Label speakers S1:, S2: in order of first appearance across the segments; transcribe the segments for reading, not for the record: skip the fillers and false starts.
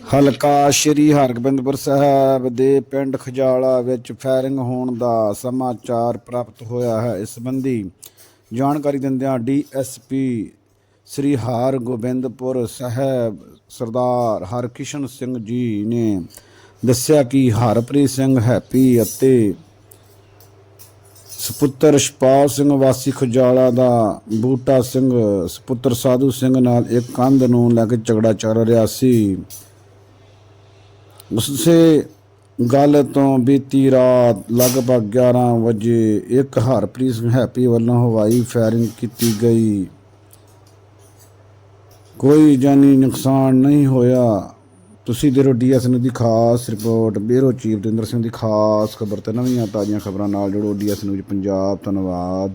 S1: ਹਲਕਾ ਸ਼੍ਰੀ ਹਰਗੋਬਿੰਦਪੁਰ ਸਾਹਿਬ ਦੇ ਪਿੰਡ ਖਜਾਲਾ ਵਿੱਚ ਫਾਇਰਿੰਗ ਹੋਣ ਦਾ ਸਮਾਚਾਰ ਪ੍ਰਾਪਤ ਹੋਇਆ ਹੈ। ਇਸ ਸੰਬੰਧੀ ਜਾਣਕਾਰੀ ਦਿੰਦਿਆਂ ਡੀਐਸਪੀ ਸ੍ਰੀ ਹਰਗੋਬਿੰਦਪੁਰ ਸਾਹਿਬ ਸਰਦਾਰ ਹਰਕਿਸ਼ਨ ਸਿੰਘ ਜੀ ਨੇ ਦੱਸਿਆ ਕਿ ਹਰਪ੍ਰੀਤ ਸਿੰਘ ਹੈਪੀ ਅਤੇ ਸਪੁੱਤਰ ਸ਼ਪਾਲ ਸਿੰਘ ਵਾਸੀ ਖਜਾਲਾ ਦਾ ਬੂਟਾ ਸਿੰਘ ਸਪੁੱਤਰ ਸਾਧੂ ਸਿੰਘ ਨਾਲ ਇੱਕ ਕੰਧ ਨੂੰ ਲੈ ਕੇ ਝਗੜਾ ਚੱਲ ਰਿਹਾ ਸੀ। ਉਸੇ ਗੱਲ ਤੋਂ ਬੀਤੀ ਰਾਤ ਲਗਭਗ 11 ਵਜੇ ਇੱਕ ਹਰਪ੍ਰੀਤ ਸਿੰਘ ਹੈਪੀ ਵੱਲੋਂ ਹਵਾਈ ਫਾਇਰਿੰਗ ਕੀਤੀ ਗਈ। ਕੋਈ ਜਾਨੀ ਨੁਕਸਾਨ ਨਹੀਂ ਹੋਇਆ। ਤੁਸੀਂ ਦੇਖੋ ਡੀਐਸ ਨਿਊਜ਼ ਦੀ ਖਾਸ report. Bureau chief Davinder Singh ਦੀ ਖਾਸ ਖਬਰ ਤੇ ਨਵੀਆਂ ਤਾਜ਼ੀਆਂ ਖਬਰਾਂ ਨਾਲ ਜੁੜੋ ਡੀਐਸ ਨਿਊਜ਼ ਪੰਜਾਬ। ਧੰਨਵਾਦ।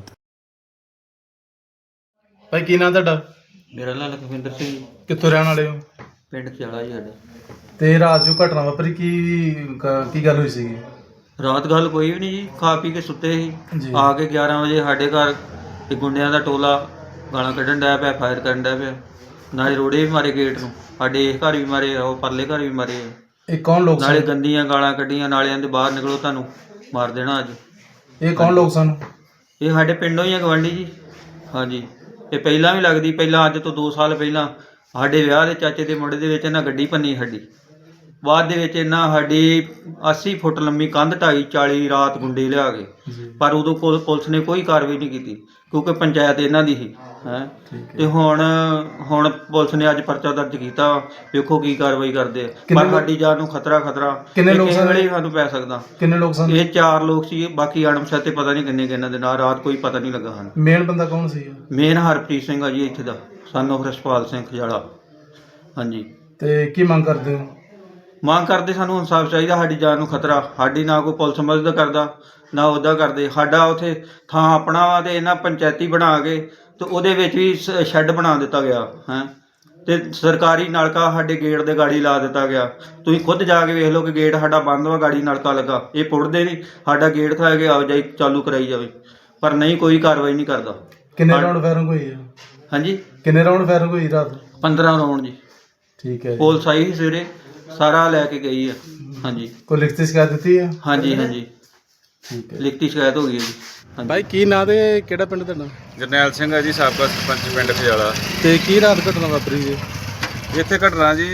S2: ਭਾਈ ਕੀ ਨਾਂ ਤੁਹਾਡਾ?
S3: ਮੇਰਾ ਨਾਂ ਲਖਵਿੰਦਰ ਸਿੰਘ।
S2: ਕਿੱਥੋਂ ਰਹਿਣ ਵਾਲੇ ਹੋ?
S3: ਪਿੰਡ ਖਿਆਲਾ ਜੀ ਸਾਡਾ।
S2: ਤੇ ਰਾਤ ਜੋ ਘਟਨਾ ਵਾਪਰੀ ਕੀ ਗੱਲ ਹੋਈ ਸੀਗੀ?
S3: ਰਾਤ ਗੱਲ ਕੋਈ ਵੀ ਨਹੀਂ ਜੀ, ਖਾ ਪੀ ਕੇ ਸੁੱਤੇ ਸੀ।
S2: ਜੀ।
S3: ਆ ਕੇ 11 ਵਜੇ ਸਾਡੇ ਘਰ ਇੱਕ ਗੁੰਡਿਆਂ ਦਾ ਟੋਲਾ ਗਾਲਾਂ ਕੱਢਣ ਡਿਆ ਪਿਆ, ਫਾਇਰ ਕਰਨ ਡਿਆ ਪਿਆ। ਨਾਲੇ ਰੋੜੇ ਵੀ ਮਾਰੇ ਗੇਟ ਨੂੰ, ਸਾਡੇ ਇਸ ਘਰ ਵੀ ਮਾਰੇ, ਉਹ ਪਰਲੇ ਘਰ ਵੀ ਮਾਰੇ।
S2: ਇਹ ਕੌਣ ਲੋਕ
S3: ਨਾਲੇ
S2: ਸਨ?
S3: ਗੰਦੀਆਂ ਗਾਲਾਂ ਕੱਢੀਆਂ, ਨਾਲੇ ਆਂਦੇ ਬਾਹਰ ਨਿਕਲੋ ਤੁਹਾਨੂੰ ਮਾਰ ਦੇਣਾ ਅੱਜ।
S2: ਇਹ ਕੌਣ ਲੋਕ ਸਨ?
S3: ਇਹ ਸਾਡੇ ਪਿੰਡੋਂ ਹੀ ਆ, ਗਵਾਂਢੀ ਜੀ। ਹਾਂਜੀ, ਇਹ ਪਹਿਲਾਂ ਵੀ ਲੱਗਦੀ, ਪਹਿਲਾਂ ਅੱਜ ਤੋਂ 2 ਸਾਲ ਪਹਿਲਾਂ ਸਾਡੇ ਵਿਆਹ ਦੇ ਚਾਚੇ ਦੇ ਮੁੰਡੇ ਦੇ ਵਿੱਚ ਇਹਨਾਂ ਗੱਡੀ ਭੰਨੀ ਸਾਡੀ। ਬਾਅਦ ਦੇ ਵਿੱਚ ਇਹਨਾਂ ਸਾਡੀ 80 ਫੁੱਟ ਲੰਮੀ ਕੰਧ ਢਾਈ 40 ਰਾਤ ਗੁੰਡੇ ਲਿਆ ਕੇ, ਪਰ ਉਦੋਂ ਪੁਲਿਸ ਨੇ ਕੋਈ ਕਾਰਵਾਈ ਨਹੀਂ ਕੀਤੀ ਕਿਉਂਕਿ ਪੰਚਾਇਤ ਇਹਨਾਂ ਦੀ ਸੀ ਹੈ। ਤੇ ਹੁਣ ਪੁਲਿਸ ਨੇ ਅੱਜ ਪਰਚਾ ਦਰਜ ਕੀਤਾ, ਵੇਖੋ ਕੀ ਕਾਰਵਾਈ ਕਰਦੇ ਆ। ਪਰ ਸਾਡੀ ਜਾਨ ਨੂੰ ਖਤਰਾ
S2: ਕਿੰਨੇ ਲੋਕ ਸਨ?
S3: ਵੇਲੇ ਸਾਨੂੰ ਪੈ ਸਕਦਾ।
S2: ਕਿੰਨੇ ਲੋਕ ਸਨ?
S3: ਇਹ 4 ਲੋਕ ਸੀ, ਬਾਕੀ ਅਣਪਛਾਤੇ ਪਤਾ ਨਹੀਂ ਕਿੰਨੇ ਕਿੰਨਾਂ ਦੇ ਨਾਲ। ਰਾਤ ਕੋਈ ਪਤਾ ਨਹੀਂ ਲੱਗਾ ਹਨ।
S2: ਮੇਨ ਬੰਦਾ ਕੌਣ ਸੀ?
S3: ਮੇਨ ਹਰਪ੍ਰੀਤ ਸਿੰਘ ਆ ਜੀ, ਇੱਥੇ ਦਾ ਸਨ ਆਫ ਰਸ਼ਪਾਲ ਸਿੰਘ ਖਜਾਲਾ। ਹਾਂਜੀ।
S2: ਤੇ ਕੀ ਮੰਗ ਕਰਦੇ ਹੋ?
S3: ਮੰਗ ਕਰਦੇ ਸਾਨੂੰ ਇਨਸਾਫ ਚਾਹੀਦਾ। ਸਾਡੀ ਜਾਨ ਨੂੰ ਖਤਰਾ, ਸਾਡੀ ਨਾ ਕੋਈ ਪੁਲਿਸ ਮਦਦ ਕਰਦਾ ਨਾ ਉਹਦਾ ਕਰਦੇ। ਸਾਡਾ ਉੱਥੇ ਥਾਂ ਆਪਣਾ ਵਾ ਤੇ ਇਹਨਾਂ ਪੰਚਾਇਤੀ ਬਣਾ ਕੇ ਤੇ ਉਹਦੇ ਵਿੱਚ ਵੀ ਸ਼ੈੱਡ ਬਣਾ ਦਿੱਤਾ ਗਿਆ ਹੈ। ਤੇ ਸਰਕਾਰੀ ਨਲਕਾ ਸਾਡੇ ਗੇਟ ਦੇ ਗਾੜੀ ਲਾ ਦਿੱਤਾ ਗਿਆ। ਤੁਸੀਂ ਖੁਦ ਜਾ ਕੇ ਵੇਖ ਲਓ ਕਿ ਗੇਟ ਸਾਡਾ ਬੰਦ ਵਾ, ਗਾੜੀ ਨਲਕਾ ਲੱਗਾ। ਇਹ ਪੁੱਟਦੇ ਨਹੀਂ, ਸਾਡਾ ਗੇਟ ਖਾ ਕੇ ਆਵਾਜਾਈ ਚਾਲੂ ਕਰਾਈ ਜਾਵੇ, ਪਰ ਨਹੀਂ, ਕੋਈ ਕਾਰਵਾਈ ਨਹੀਂ ਕਰਦਾ।
S2: ਕਿੰਨੇ ਰਾਉਂਡ ਫਾਇਰਿੰਗ ਹੋਈ ਹੈ?
S3: ਹਾਂਜੀ,
S2: ਕਿੰਨੇ ਰਾਉਂਡ ਫਾਇਰਿੰਗ ਹੋਈ ਰਾਤ?
S3: 15 ਰਾਉਂਡ ਜੀ।
S2: ਠੀਕ ਹੈ।
S3: ਪੁਲਿਸ ਆਈ ਸੀ ਸਵੇਰੇ, ਸਾਰਾ ਲੈ ਕੇ ਗਈ ਆ। ਹਾਂਜੀ।
S2: ਕੋਈ ਲਿਖਤੀ ਸ਼ਿਕਾਇਤ ਦਿੱਤੀ ਹੈ?
S3: ਹਾਂਜੀ,
S2: ਠੀਕ ਹੈ।
S3: ਲਿਖਤੀ ਸ਼ਿਕਾਇਤ ਹੋ ਗਈ ਹੈ ਜੀ। ਹਾਂਜੀ।
S2: ਭਾਈ ਕੀ ਨਾਂ ਤੇ ਕਿਹੜਾ ਪਿੰਡ ਤੁਹਾਡਾ?
S4: ਜਰਨੈਲ ਸਿੰਘ ਹੈ ਜੀ, ਸਾਬਕਾ ਸਰਪੰਚ ਪਿੰਡ ਖਜਾਲਾ।
S2: ਤੇ ਕੀ ਰਾਤ ਘਟਨਾ ਵਾਪਰੀ ਜੀ?
S4: ਇੱਥੇ ਘਟਨਾ ਜੀ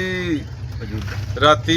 S4: ਰਾਤੀ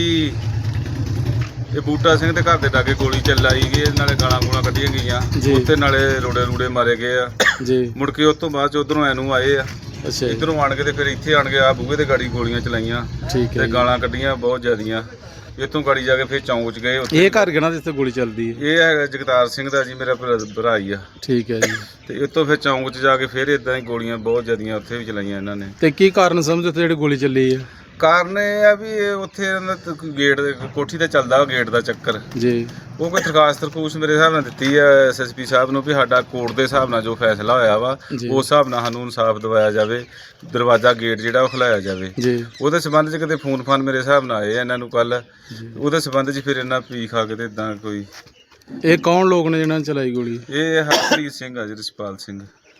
S4: ਇਹ ਬੂਟਾ ਸਿੰਘ ਦੇ ਘਰ ਦੇ ਲਾਗੇ ਗੋਲੀ ਚੱਲਾਈ ਗਈ, ਨਾਲੇ ਗਾਲਾਂ ਕੱਢੀਆਂ ਗਈਆਂ ਉੱਥੇ, ਨਾਲੇ ਰੋੜੇ ਮਾਰੇ ਗਏ ਆ
S2: ਜੀ।
S4: ਮੁੜ ਕੇ ਉਸ ਤੋਂ ਬਾਅਦ ਚ ਉਧਰੋਂ ਐਨੂੰ ਆਏ ਆ,
S2: ਅੱਛਾ।
S4: ਇੱਧਰੋਂ ਆਣ ਕੇ ਤੇ ਫਿਰ ਇੱਥੇ ਆਣ ਕੇ ਆ ਬੂਹੇ ਤੇ ਗਾੜੀ ਗੋਲੀਆਂ ਚਲਾਈਆਂ
S2: ਠੀਕ ਹੈ।
S4: ਤੇ ਗਾਲਾਂ ਕੱਢੀਆਂ ਬਹੁਤ ਜ਼ਿਆਦੀਆਂ। ਇੱਥੋਂ ਗਾੜੀ ਜਾ ਕੇ ਫਿਰ ਚੌਂਕ 'ਚ ਗਏ।
S2: ਇਹ ਘਰ ਕਿਹੜਾ ਜਿੱਥੇ ਗੋਲੀ ਚੱਲਦੀ ਹੈ?
S4: ਇਹ ਹੈਗਾ ਜਗਤਾਰ ਸਿੰਘ ਦਾ ਜੀ, ਮੇਰਾ ਭਰਾ ਹੀ ਆ।
S2: ਠੀਕ ਹੈ ਜੀ।
S4: ਤੇ ਇੱਥੋਂ ਫਿਰ ਚੌਂਕ 'ਚ ਜਾ ਕੇ ਫਿਰ ਇਦਾਂ ਹੀ ਗੋਲੀਆਂ ਬਹੁਤ ਜ਼ਿਆਦੀਆਂ ਉੱਥੇ ਵੀ ਚਲਾਈਆਂ ਇਹਨਾਂ ਨੇ।
S2: ਤੇ ਕੀ ਕਾਰਨ ਸਮਝਦੇ ਉੱਥੇ ਜਿਹੜੀ ਗੋਲੀ ਚੱਲੀ ਹੈ?
S4: ਕਾਰਨ ਇਹ ਆ ਵੀ ਇਹ ਉੱਥੇ ਇਹਨਾਂ ਦਾ ਗੇਟ ਦੇ ਕੋਠੀ ਤੇ ਚੱਲਦਾ ਗੇਟ ਦਾ ਚੱਕਰ
S2: ਜੀ।
S4: ਉਹ ਕੋਈ ਦਰਖਾਸਤ ਮੇਰੇ ਹਿਸਾਬ ਨਾਲ ਦਿੱਤੀ ਹੈ ਐਸਐਸਪੀ ਸਾਹਿਬ ਨੂੰ ਵੀ ਸਾਡਾ ਕੋਰਟ ਦੇ ਹਿਸਾਬ ਨਾਲ ਜੋ ਫੈਸਲਾ ਹੋਇਆ ਵਾ ਉਸ ਹਿਸਾਬ ਨਾਲ ਸਾਨੂੰ ਇਨਸਾਫ ਦਿਵਾਇਆ ਜਾਵੇ, ਦਰਵਾਜ਼ਾ ਗੇਟ ਜਿਹੜਾ ਉਹ ਖੁਲਾਇਆ ਜਾਵੇ ਜੀ। ਉਹਦੇ ਸੰਬੰਧ 'ਚ ਕਿਤੇ ਫੋਨ ਮੇਰੇ ਹਿਸਾਬ ਨਾਲ ਆਏ ਇਹਨਾਂ ਨੂੰ ਕੱਲ, ਉਹਦੇ ਸੰਬੰਧ 'ਚ ਫਿਰ ਇਹਨਾਂ ਪੀ ਖਾ ਕੇ ਤੇ ਇਦਾਂ ਕੋਈ।
S2: ਇਹ ਕੌਣ ਲੋਕ ਨੇ ਜਿਹਨਾਂ ਨੇ ਚਲਾਈ ਗੋਲੀ?
S4: ਇਹ ਹਰਪ੍ਰੀਤ ਸਿੰਘ ਆ ਜੀ, ਰਸ਼ਪਾਲ ਸਿੰਘ।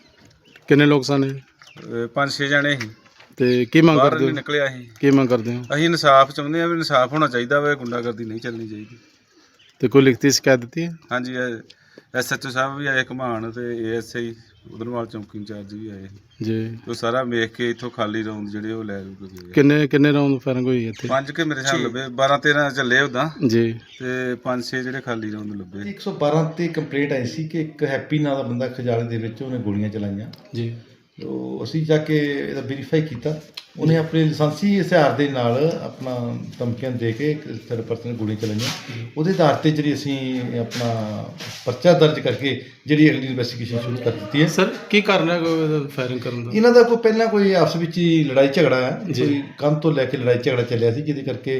S2: ਕਿੰਨੇ ਲੋਕ ਸਨ ਇਹ?
S4: 5-6 ਜਣੇ ਸੀ।
S2: ਤੇ ਕੀ ਮੰਗ
S4: ਬਾਹਰ
S2: ਕਰਦੇ ਹੋ?
S4: ਨਿਕਲਿਆ ਸੀ।
S2: ਕੀ ਮੰਗ ਕਰਦੇ ਹੋ?
S4: ਅਸੀਂ ਇਨਸਾਫ ਚਾਹੁੰਦੇ ਹਾਂ ਵੀ ਇਨਸਾਫ ਹੋਣਾ ਚਾਹੀਦਾ ਵਾ, ਗੁੰਡਾਗਰਦੀ ਨਹੀਂ ਚੱਲਣੀ ਚਾਹੀਦੀ।
S2: ਤੇ ਕੋਈ ਲਿਖਤੀ ਸ਼ਿਕਾਇਤ ਦਿੱਤੀ ਹੈ?
S4: ਹਾਂਜੀ, ਐਸਐਚਓ ਸਾਹਿਬ ਵੀ ਆਏ ਘਮਾਣ ਤੇ ਏਐਸਆਈ ਉਧਰਵਾਲ ਚੌਂਕੀ ਇੰਚਾਰਜ ਵੀ ਆਏ
S2: ਜੀ।
S4: ਉਹ ਸਾਰਾ ਵੇਖ ਕੇ ਇੱਥੋਂ ਖਾਲੀ ਰਾਉਂਡ ਜਿਹੜੇ ਉਹ ਲੈ ਲੂਗੇ।
S2: ਕਿੰਨੇ ਰਾਉਂਡ ਫਾਇਰਿੰਗ ਹੋਈ ਇੱਥੇ?
S4: 5 ਕੇ ਮੇਰੇ ਹਿਸਾਬ ਲੱਭੇ, 12-13 ਚੱਲੇ ਉਦਾਂ
S2: ਜੀ।
S4: ਤੇ 5-6 ਜਿਹੜੇ ਖਾਲੀ ਰਾਉਂਡ ਲੱਭੇ।
S5: 112 ਤੇ ਕੰਪਲੇਂਟ ਆਈ ਸੀ ਕਿ ਇੱਕ ਹੈਪੀ ਨਾਂ ਦਾ ਬੰਦਾ ਖਜਾਲੇ ਦੇ ਵਿੱਚ ਉਹਨੇ ਗੋਲੀਆਂ ਚਲਾਈਆਂ
S2: ਜੀ।
S5: ਤੋ ਅਸੀਂ ਜਾ ਕੇ ਇਹਦਾ ਵੈਰੀਫਾਈ ਕੀਤਾ। ਉਹਨੇ ਆਪਣੇ ਲਾਇਸੈਂਸੀ ਹਥਿਆਰ ਦੇ ਨਾਲ ਆਪਣਾ ਧਮਕੀਆਂ ਦੇ ਕੇ ਇੱਕ ਥਰਡ ਪਰਸਨ ਨੇ ਗੋਲੀਆਂ ਚਲਾਈਆਂ। ਉਹਦੇ ਆਧਾਰ 'ਤੇ ਜਿਹੜੀ ਅਸੀਂ ਆਪਣਾ ਪਰਚਾ ਦਰਜ ਕਰਕੇ ਜਿਹੜੀ ਅਗਲੀ ਇਨਵੈਸਟੀਗੇਸ਼ਨ ਸ਼ੁਰੂ ਕਰ ਦਿੱਤੀ ਹੈ।
S2: ਸਰ ਕੀ ਕਾਰਨ ਹੈ ਫਾਇਰਿੰਗ ਕਰਨ ਦਾ?
S5: ਇਹਨਾਂ ਦਾ ਕੋਈ ਪਹਿਲਾਂ ਕੋਈ ਆਪਸ ਵਿੱਚ ਹੀ ਲੜਾਈ ਝਗੜਾ ਹੈ, ਕੋਈ ਕੰਮ ਤੋਂ ਲੈ ਕੇ ਲੜਾਈ ਝਗੜਾ ਚੱਲਿਆ ਸੀ, ਜਿਹਦੇ ਕਰਕੇ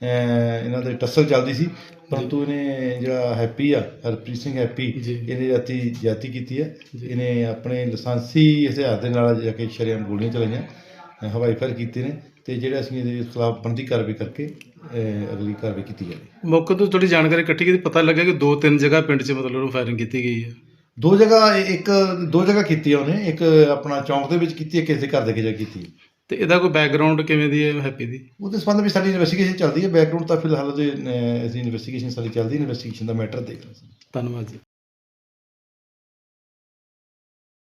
S5: ਇਹਨਾਂ ਦੇ ਟੱਸਲ ਚੱਲਦੀ ਸੀ। ਪਰੰਤੂ ਇਹਨੇ ਜਿਹੜਾ ਹੈਪੀ ਆ, ਹਰਪ੍ਰੀਤ ਸਿੰਘ ਹੈਪੀ, ਇਹਨੇ ਰਾਤੀ ਜ਼ਿਆਦਤੀ ਕੀਤੀ ਹੈ। ਇਹਨੇ ਆਪਣੇ ਲਾਇਸੈਂਸੀ ਹਥਿਆਰ ਦੇ ਨਾਲ ਜਾ ਕੇ ਸ਼ਰੇਆਮ ਗੋਲੀਆਂ ਚਲਾਈਆਂ, ਹਵਾਈ ਫਾਇਰ ਕੀਤੇ ਨੇ। ਤੇ ਜਿਹੜਾ ਅਸੀਂ ਇਹਦੇ ਖਿਲਾਫ ਬਣਦੀ ਕਾਰਵਾਈ ਕਰਕੇ ਅਗਲੀ ਕਾਰਵਾਈ ਕੀਤੀ ਜਾਵੇ।
S2: ਮੌਕੇ ਤੋਂ ਥੋੜੀ ਜਾਣਕਾਰੀ ਇਕੱਠੀ ਕੀਤੀ, ਪਤਾ ਲੱਗਾ ਕਿ 2-3 ਜਗ੍ਹਾ ਪਿੰਡ 'ਚ ਮਤਲਬ ਫਾਇਰਿੰਗ ਕੀਤੀ ਗਈ ਹੈ।
S5: 2 ਜਗ੍ਹਾ ਕੀਤੀ ਆ ਉਹਨੇ, ਇੱਕ ਆਪਣਾ ਚੌਂਕ ਦੇ ਵਿੱਚ ਕੀਤੀ ਹੈ, ਕਿਸੇ ਦੇ ਘਰ ਦੇ ਕੇ ਜਾ ਕੀਤੀ ਹੈ।
S2: ਤੇ ਇਹਦਾ ਕੋਈ ਬੈਕਗ੍ਰਾਉਂਡ ਕਿਵੇਂ ਦੀ ਹੈ ਹੈਪੀ ਦੀ?
S5: ਉਹਦੇ ਸੰਬੰਧ ਵਿੱਚ ਸਾਡੀ ਇਨਵੈਸਟੀਗੇਸ਼ਨ ਚੱਲਦੀ ਹੈ। ਬੈਕਗ੍ਰਾਉਂਡ ਤਾਂ ਫਿਲਹਾਲ ਅਸੀਂ ਇਨਵੈਸਟੀਗੇਸ਼ਨ ਸਾਡੀ ਚੱਲਦੀ, ਇਨਵੈਸਟੀਗੇਸ਼ਨ ਦਾ ਮੈਟਰ ਦੇਖ ਰਹੇ ਹਾਂ।
S2: ਧੰਨਵਾਦ ਜੀ।